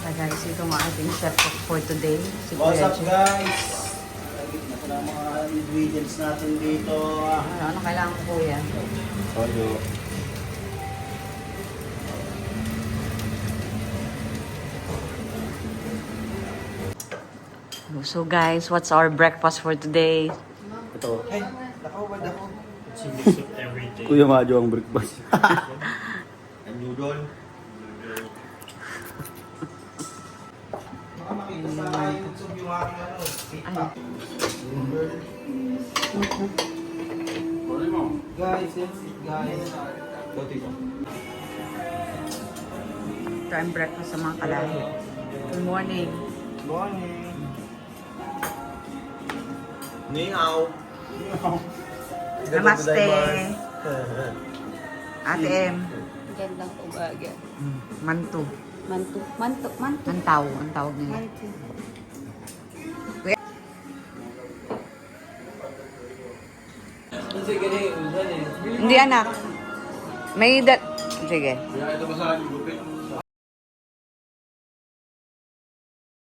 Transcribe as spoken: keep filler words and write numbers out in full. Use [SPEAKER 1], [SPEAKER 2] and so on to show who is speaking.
[SPEAKER 1] Ah, guys, ito ang ating chef cook for today. Si
[SPEAKER 2] What's
[SPEAKER 1] Kuya
[SPEAKER 2] up
[SPEAKER 1] Jun.
[SPEAKER 2] guys? Nagit na ang mga ingredients natin dito.
[SPEAKER 1] Ano, ano kailangan ko, Kuya?
[SPEAKER 2] Toyo.
[SPEAKER 1] So guys, what's our breakfast for today?
[SPEAKER 2] Ito. Ay, nakawad ako.
[SPEAKER 3] It's a mix of everything.
[SPEAKER 2] Kuya Majo ang breakfast.
[SPEAKER 3] And noodle.
[SPEAKER 2] Baka makita sa YouTube yung aking ano,
[SPEAKER 1] Ano?
[SPEAKER 2] Guys, that's it guys. Dati ko.
[SPEAKER 1] Ito ang breakfast sa mga kalahi. Good morning.
[SPEAKER 2] Morning.
[SPEAKER 3] Ni hao.
[SPEAKER 1] Namaste. Ate M.
[SPEAKER 4] Gandang umaga.
[SPEAKER 1] Mantu.
[SPEAKER 4] Manto, manto, manto.
[SPEAKER 1] Antaw. Ang tawag nila.
[SPEAKER 4] Manto.
[SPEAKER 1] Hindi anak. May dat... Sige.
[SPEAKER 3] Kaya ito ba sa gupit?